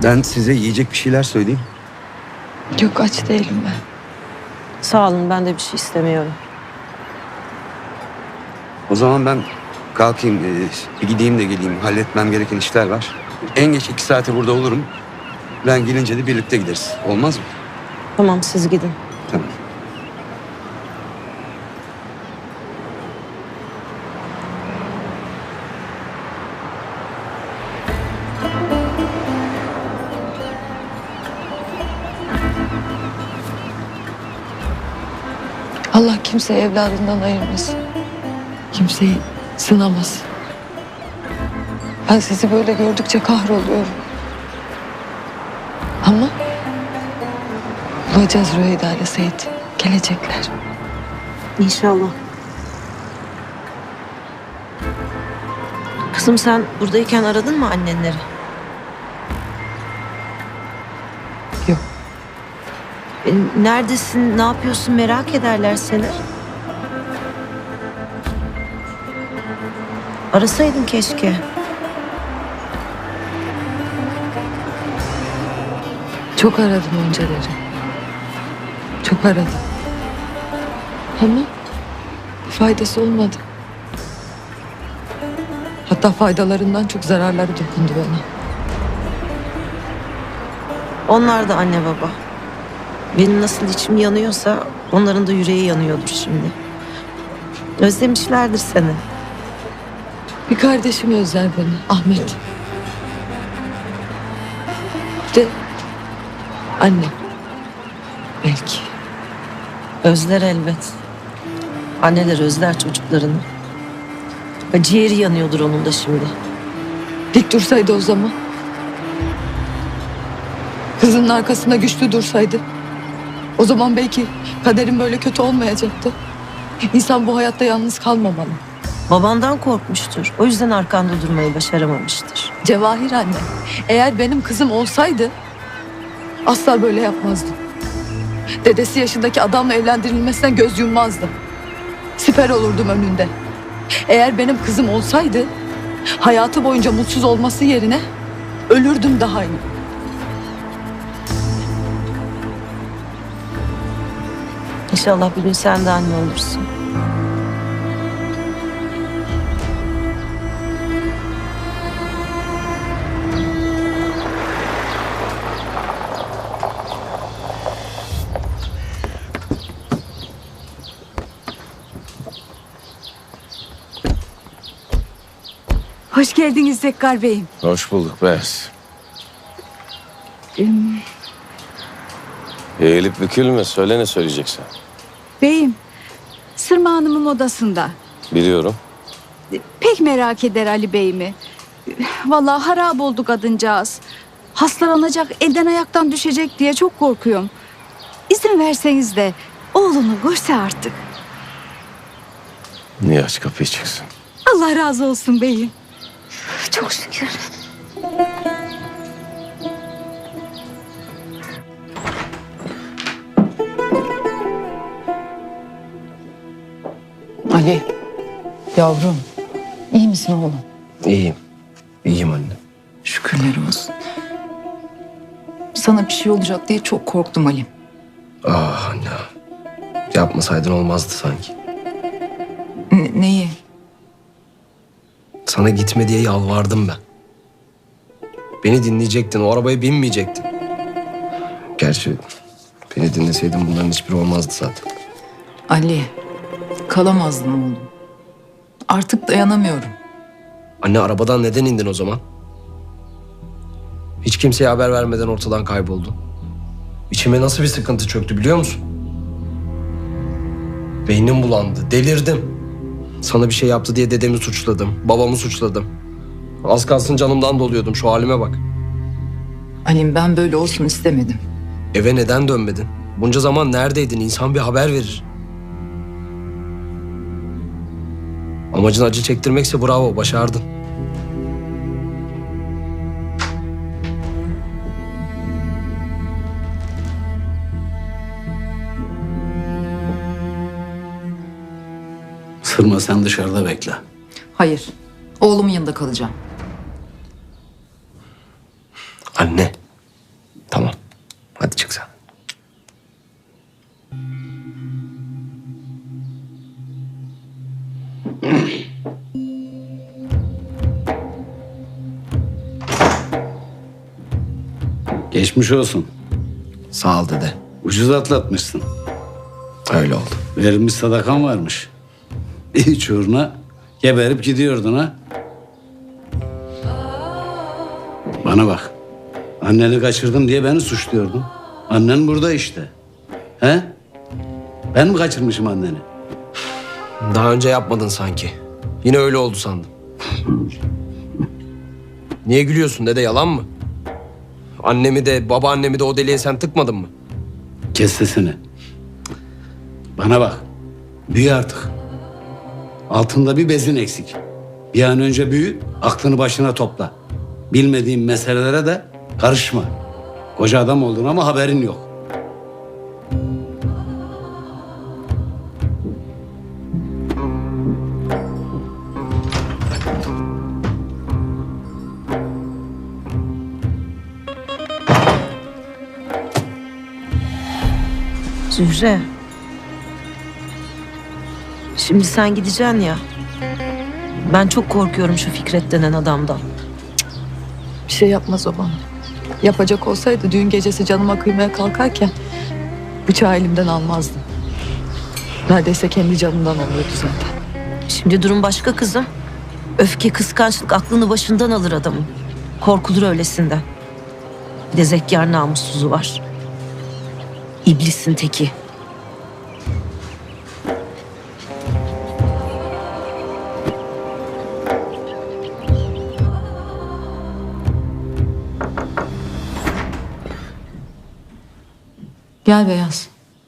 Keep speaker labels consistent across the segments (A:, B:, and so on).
A: Ben size yiyecek bir şeyler söyleyeyim.
B: Yok, aç değilim ben.
C: Sağ olun, ben de bir şey istemiyorum.
A: O zaman ben kalkayım, bir gideyim de geleyim. Halletmem gereken işler var. En geç 2 saate burada olurum. Ben gelince de birlikte gideriz. Olmaz mı?
C: Tamam, siz gidin.
A: Tamam.
B: Allah kimseyi evladından ayırmasın. Kimseyi sınamasın. Ben sizi böyle gördükçe kahroluyorum. Ama bulacağız Rüyeyda ile Seyit. Gelecekler.
C: İnşallah. Kızım, sen buradayken aradın mı annenleri?
B: Yok.
C: Neredesin, ne yapıyorsun merak ederler seni. Arasaydın keşke.
B: Çok aradım önceleri. Çok aradım. Ama faydası olmadı. Hatta faydalarından çok zararları dokundu bana.
C: Onlar da anne baba. Benim nasıl içim yanıyorsa onların da yüreği yanıyordur şimdi. Özlemişlerdir seni.
B: Bir kardeşim özler beni, Ahmet. Bir de annem. Belki.
C: Özler elbet. Anneler özler çocuklarını. Ciğeri yanıyordur onun da şimdi.
B: Dik dursaydı o zaman. Kızının arkasında güçlü dursaydı. O zaman belki kaderim böyle kötü olmayacaktı. İnsan bu hayatta yalnız kalmamalı.
C: Babandan korkmuştur. O yüzden arkanda durmayı başaramamıştır.
B: Cevahir anne, eğer benim kızım olsaydı asla böyle yapmazdı. Dedesi yaşındaki adamla evlendirilmesinden göz yummazdı. Siper olurdum önünde. Eğer benim kızım olsaydı hayatı boyunca mutsuz olması yerine ölürdüm daha iyi.
C: İnşallah bir gün sen de anne olursun.
D: Hoş geldiniz Zekkar Bey'im.
E: Hoş bulduk Beyaz. Eğilip bükülme. Söyle ne söyleyeceksin.
D: Beyim, Sırma Hanım'ın odasında.
E: Biliyorum.
D: Pek merak eder Ali Bey'imi. Vallahi harap oldu kadıncağız. Hastalanacak, elden ayaktan düşecek diye çok korkuyorum. İzin verseniz de oğlunu görse artık.
E: Niye aç kapıyı çıksın?
D: Allah razı olsun beyim. Çok şükür.
F: Ali, yavrum, iyi misin oğlum?
E: İyiyim. İyiyim anne.
F: Şükürler olsun. Sana bir şey olacak diye çok korktum Ali.
E: Ah anne. Yapmasaydın olmazdı sanki.
F: Neyi?
E: Sana gitme diye yalvardım ben. Beni dinleyecektin. O arabaya binmeyecektin. Gerçi beni dinleseydin bunların hiçbiri olmazdı zaten.
F: Ali, kalamazdım oğlum. Artık dayanamıyorum.
E: Anne arabadan neden indin o zaman? Hiç kimseye haber vermeden ortadan kayboldun. İçime nasıl bir sıkıntı çöktü biliyor musun? Beynim bulandı, delirdim. Sana bir şey yaptı diye dedemi suçladım, babamı suçladım. Az kalsın canımdan doluyordum, şu halime bak.
F: Ali'm ben böyle olsun istemedim.
E: Eve neden dönmedin? Bunca zaman neredeydin? İnsan bir haber verir. Amacın acı çektirmekse bravo, başardın.
G: Sırma sen dışarıda bekle.
F: Hayır, oğlumun yanında kalacağım.
E: Anne,
G: Geçmiş olsun.
E: Sağ ol dede.
G: Ucuz atlatmışsın.
E: Öyle oldu.
G: Verilmiş sadakan varmış. Hiç uğruna geberip gidiyordun ha. Bana bak. Anneni kaçırdım diye beni suçluyordun. Annen burada işte. He? Ben mi kaçırmışım anneni?
E: Daha önce yapmadın sanki. Yine öyle oldu sandım. Niye gülüyorsun dede, yalan mı? Annemi de babaannemi de o deliğe sen tıkmadın mı?
G: Kes sesini. Bana bak. Büyü artık. Altında bir bezin eksik. Bir an önce büyü, aklını başına topla. Bilmediğin meselelere de karışma. Koca adam oldun ama haberin yok.
C: Zühre. Şimdi sen gideceksin ya. Ben çok korkuyorum şu Fikret denen adamdan.
B: Bir şey yapmaz o bana. Yapacak olsaydı düğün gecesi canıma kıymaya kalkarken bıçağı elimden almazdı. Neredeyse kendi canından oluyordu zaten.
C: Şimdi durum başka kızım. Öfke, kıskançlık aklını başından alır adamın. Korkulur öylesinden. Bir de zekkar namussuzu var. İblisin teki.
B: Gel Beyaz.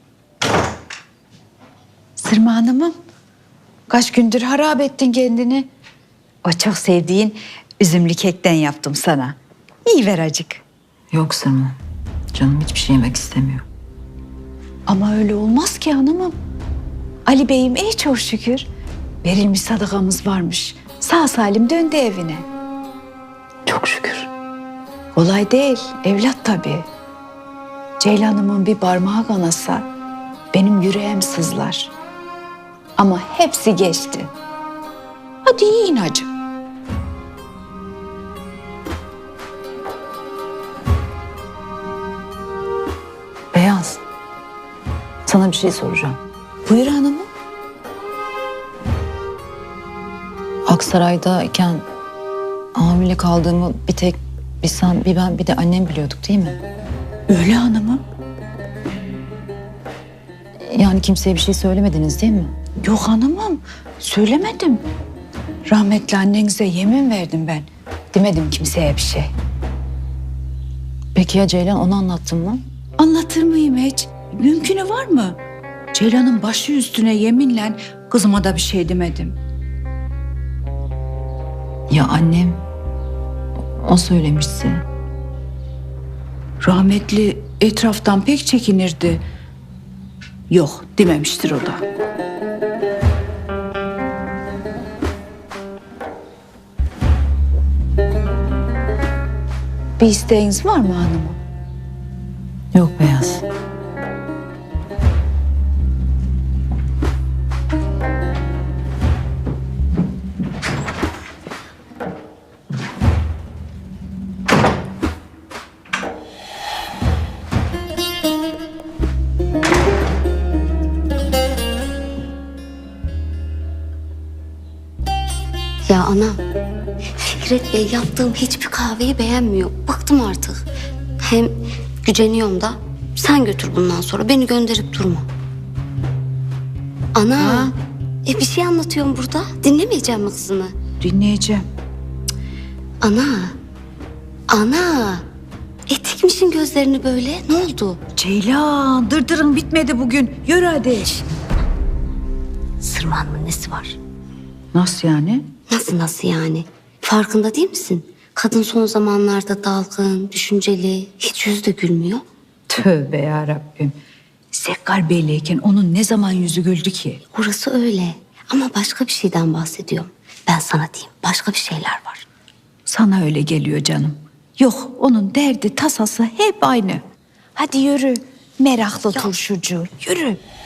D: Sırma Hanım'ım, kaç gündür harap ettin kendini. O çok sevdiğin üzümlü kekten yaptım sana. İyi ver acık.
F: Yok Sırma. Canım hiçbir şey yemek istemiyor.
D: Ama öyle olmaz ki hanımım. Ali Bey'im iyi çok şükür. Verilmiş sadakamız varmış. Sağ salim döndü evine.
F: Çok şükür.
D: Kolay değil, evlat tabii. Ceylan'ımın bir parmağı kanasa benim yüreğim sızlar. Ama hepsi geçti. Hadi yiyin hacı.
F: Beyaz. Sana bir şey soracağım.
D: Buyur hanımım.
F: Aksaray'dayken hamile kaldığımı bir tek bir sen, bir ben, bir de annem biliyorduk değil mi?
D: Öyle hanımım.
F: Yani kimseye bir şey söylemediniz değil mi?
D: Yok hanımım, söylemedim. Rahmetli annenize yemin verdim ben. Demedim kimseye bir şey.
F: Peki ya Ceylan, onu anlattın mı?
D: Anlatır mıyım hiç? Mümkünü var mı? Ceylan'ın başı üstüne yeminle kızıma da bir şey demedim.
F: Ya annem, o söylemişti.
D: Rahmetli etraftan pek çekinirdi. Yok dememiştir o da. Bir isteğiniz var mı hanımım?
F: Yok Beyaz.
H: Ya ana, Fikret Bey yaptığım hiçbir kahveyi beğenmiyor. Bıktım artık. Hem güceniyorum da sen götür bundan sonra, beni gönderip durma. Ana, bir şey anlatıyorum burada. Dinlemeyeceğim mi kızını?
D: Dinleyeceğim.
H: Ana. Dikmişin gözlerini böyle. Ne oldu?
D: Ceylan, dırdırın bitmedi bugün. Yürü hadi.
H: Sırmanın nesi var?
D: Nasıl yani?
H: Nasıl yani? Farkında değil misin? Kadın son zamanlarda dalgın, düşünceli, hiç yüzü de gülmüyor.
D: Tövbe yarabbim. Sekkar Bey'leyken onun ne zaman yüzü güldü ki?
H: Orası öyle ama başka bir şeyden bahsediyorum. Ben sana diyeyim, başka bir şeyler var.
D: Sana öyle geliyor canım. Yok, onun derdi tasası hep aynı. Hadi yürü, meraklı turşucu, yürü.